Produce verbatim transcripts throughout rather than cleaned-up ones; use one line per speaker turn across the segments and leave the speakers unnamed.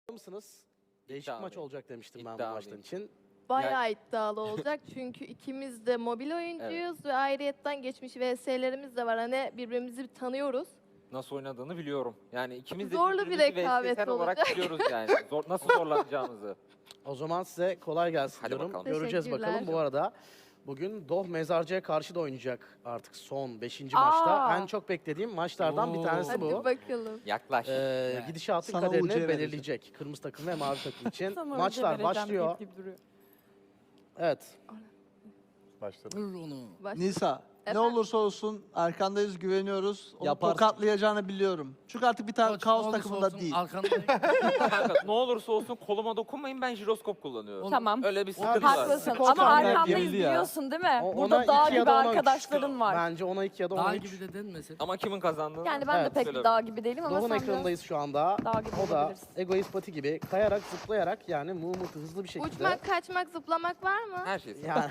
mısınız? Değişik
İddialıyım.
maç olacak demiştim ben bu
İddialıyım.
maçtan için.
Bayağı iddialı olacak çünkü ikimiz de mobil oyuncuyuz ve ayrıyetten geçmiş V S'lerimiz de var. Hani birbirimizi tanıyoruz.
Nasıl oynadığını biliyorum. Yani ikimiz de
Zorlu bir
birbirimizi
rekabet
V S S olarak
olacak.
biliyoruz yani. Zor, nasıl zorlanacağımızı.
O zaman size kolay gelsin
Hadi
diyorum.
bakalım.
Göreceğiz
Teşekkürler.
bakalım. Bu arada bugün Doh Mezarcı'ya karşı da oynayacak artık son beşinci
Aa.
maçta. En çok beklediğim maçlardan bir
Oo.
tanesi
Hadi
bu.
bakalım.
Yaklaş.
Ee, gidişatın
Sana
kaderini
ucu verecek.
belirleyecek. Kırmızı takım ve mavi takım için.
Sana
Maçlar
önce vereceğim
başlıyor.
deyip duruyor.
Evet.
Başladı.
Vur onu.
Baş-
Nisa, ne
Efendim?
olursa olsun arkandayız, güveniyoruz. Onu
Yaparsın.
tokatlayacağını biliyorum. Çünkü artık bir tane
Koç,
kaos
olursa
takımında
olsun
değil.
Arkandayım.
Kanka ne olursa olsun koluma dokunmayın, ben jiroskop kullanıyorum.
Tamam.
Öyle bir sıkıntı var.
Haklısın
Skor
ama
tahmini
arkamdayız
yenildi ya.
biliyorsun değil mi?
O-
Burada
ona
dağ
iki ya
gibi
da ona üç.
arkadaşlarım var.
Bence ona iki ya da ona
Dağ
üç.
gibi de denmesin.
Ama kimin kazandığını...
Yani ben
Evet,
de pek
söyle.
bir dağ gibi değilim ama
Doh'un
sen
ekranındayız şu anda.
Dağ gibi
O da
olabilirsin.
egoist pati gibi kayarak zıplayarak yani Muğmut'u hızlı bir şekilde.
Uçmak, kaçmak, zıplamak var mı?
Her şey.
Yani.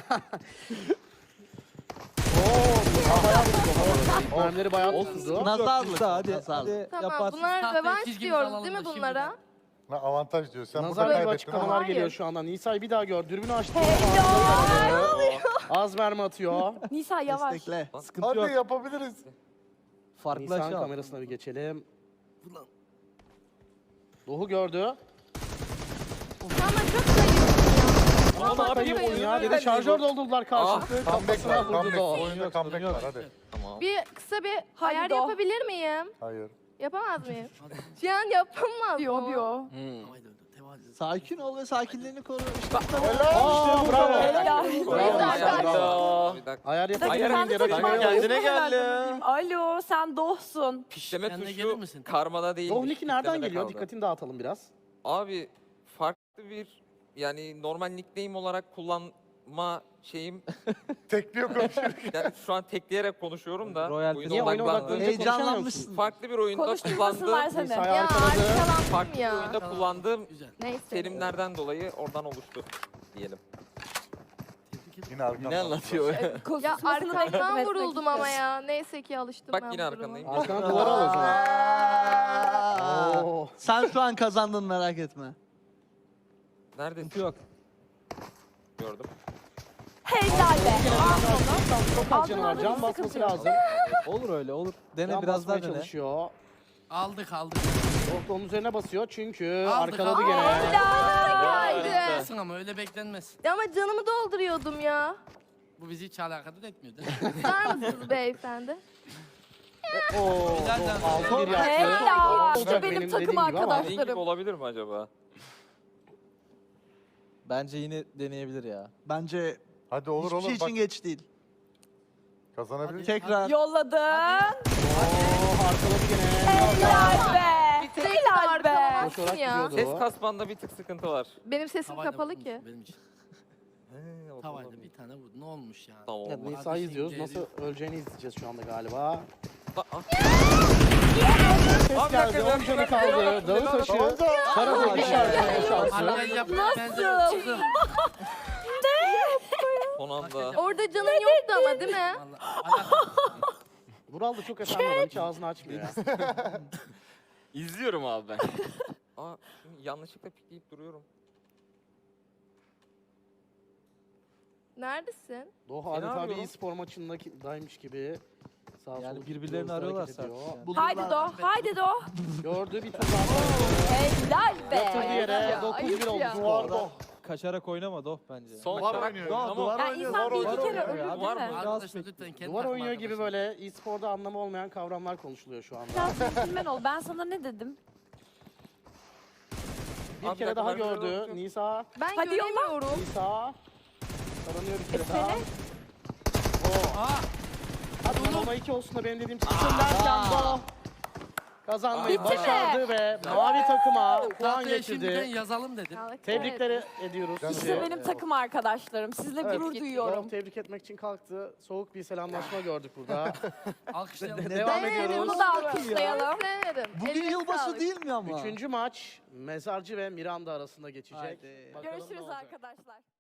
Oo, bayağı vurdu. Mermileri bayağı tuttu.
Nazarlık.
Hadi,
nazarlık.
hadi
Tamam
yaparsın.
bunlar
Tahtayı
rövanş
çizgimizi
diyoruz
alalım
değil mi
da şimdiden.
bunlara?
Ne avantaj diyor. Sen burada
Nazar gibi
kaybettin
açıklamalar
ama.
Hayır.
geliyor şu anda. Nisa'yı bir daha gör. Dürbünü açtı. Az mermi atıyor.
Nisa yavaş.
Destekle.
Sıkıntı
Hadi
yok.
yapabiliriz.
Farklı
Nisa'nın
açı al.
kamerasına bir geçelim.
Ulan.
Doğu gördü.
Ama çok zayıf.
Ama ne yapayım
Oyun ya.
oyunu
Dedi şarjör doldurdular karşılıklı.
Comeback
Kafasına
var.
vurdu
Comeback.
Doğu.
Oyunda comeback var. Hadi.
Tamam.
Bir kısa bir
Hadi
ayar
Doh.
yapabilir miyim?
Hayır.
Yapamaz mıyım?
Hadi.
Şu an yapamaz
Biyo
mı?
biyo.
Hmm.
Haydi öyle, tevazu.
Sakin ol ve sakinliğini koru. İşte
Aa, bravo.
Helal.
Bravo.
Bravo.
Bir dakika.
Ayar
Bir dakika,
yapabilir
sen
miyim
de
diye
takım
bakıyorum.
arkadaşın
Kendine
herhalde
geldim.
bakayım. Alo sen Doh'sun.
Pişleme
Kendine
tuşu
gelir misin?
karmada değil.
Doğu Nick'i nereden geliyor? Dikkatini dağıtalım biraz.
Abi farklı bir yani normal nickname olarak kullanma şeyim
Tekliyor konuşuyor.
yani şu an tekleyerek konuşuyorum da
Royal
oyuna
Niye oyuna
odaklandığım
odaklanınca
Heyecanlanmışsın.
farklı bir oyunda
Konuşturmasınlar
kullandığım
seni.
Nisa'yı
Ya
arkaladı.
arkalandım
farklı bir
ya.
oyunda kullandığım
Güzel.
Neyse.
terimlerden dolayı oradan oluştu diyelim.
Tebrik ederim.
Yine arkamdan.
Ne anlatıyor?
Ya
Konuşmasını da
arkamdan
etmek
vuruldum ama
istiyorum.
ya. Neyse ki alıştım
Bak
ben
yine
bu duruma.
arkandayım.
Arkana duvara al o zaman.
Aa.
Oo.
Sen şu an kazandın, merak etme.
Neredesin?
Sıkıntı yok.
Gördüm.
Helal be.
Çok az canı var. Can basması lazım.
Olur öyle olur. Dene
Can
biraz daha
basmaya
dene.
çalışıyor.
Aldık aldık.
Doh da onun üzerine basıyor çünkü
Aldık,
arkaladı
aldık.
gene.
Haydi.
Beklenmesin ama öyle beklenmez.
Ya ama canımı dolduruyordum ya.
Bu bizi hiç alakadar etmiyor değil mi?
Tutar mısınız beyefendi?
Oo,
Helal
Doh
lan.
altı bir yaptı.
Helal.
Olacak
İşte benim
benim
takım
dediğim gibi ama.
Dediğin gibi
arkadaşlarım.
olabilir mi acaba?
Bence yine deneyebilir ya.
Bence
Hadi olur
hiçbir
olur.
şey
Bak
için geç değil.
kazanabiliriz.
Tekrar.
Yolladın.
Oo, arkaladı gene.
Helal be.
Tek
Helal be.
arkalamazsın
Koşarak
ya.
gidiyordu.
Ses kasmanda bir tık sıkıntı var.
Benim sesim
Tavayla
kapalı
vurdun
ki.
Benim için.
He, o da
Tavayla
olabilir.
bir tane vurdu. Ne olmuş yani?
Tamam.
Evet,
olmaz.
Nisa'yı izliyoruz. Nasıl öleceğini izleyeceğiz şu anda galiba.
Aa, aa.
Ses
Abi,
geldi.
dakika,
on canı
dakika,
kaldı.
dakika,
Dağı
dakika.
taşı. Karatek işaretine şansı.
Hallel yaptı. Ben de
Nasıl?
çıktım.
Son anda.
Orada canın yoktu ama değil mi?
Vallahi alakadar.
Vural da çok efendi adam. Hiç ağzını açmıyor ya.
İzliyorum abi ben. Aa, şimdi yanlışlıkla pikleyip duruyorum.
Neredesin?
Doh
Seni
adeta bir
arıyorum.
e-spor maçındaymış gibi. Sağ
Yani
sol
birbirlerini
hızlı
arıyorlar
hareket
sadece.
ediyor.
Yani.
Bulurlar.
Haydi Doh. Haydi Doh.
Gördü bir tur daha.
Helal be.
Yatırdı yere.
Ya,
dokuz bir
ayıp
oldu.
ya.
Duvar Doh.
Kaçarak oynama Doh bence.
Son
Duvar
maç-
oynuyor.
Tamam.
Duvar
Ya
oynuyor.
insan bir
Duvar
iki kere
oynuyor.
ölür
Var
değil
mı?
mi?
Arkadaşlar lütfen kendi
Duvar
takım
oynuyor gibi
arkadaşlar.
böyle e-sporda anlamı olmayan kavramlar konuşuluyor şu anda.
Biraz centilmen ol. Ben sana ne dedim?
Bir
Abi,
kere
dakika,
daha
ben şöyle
gördü.
bakıyorum.
Nisa.
Ben
Hadi yolla.
göremiyorum.
Nisa. Taranıyor bir
E
kere daha.
seni?
Oo.
Aa,
Hadi ona iki olsun da benim dediğim çıksın derken Doh kazanmayı
Bitti mi?
başardı ve mavi takıma puan
tahtaya şimdiden
getirdi.
yazalım dedim.
Tebrikler ediyoruz
Canım
sizi.
İşte benim takım arkadaşlarım. Sizle
Evet,
gurur
Doh
duyuyorum.
tebrik etmek için kalktı. Soğuk bir selamlaşma gördük burada.
Alkışlayalım.
Devam
Evet,
ediyoruz.
Bunu da alkışlayalım.
Severim.
Bugün
Eline
yılbaşı
sağlık.
değil mi ama?
Üçüncü maç Mezarcı ve Miranda arasında geçecek.
Haydi.
Bakalım ne
Görüşürüz
olacak.
arkadaşlar.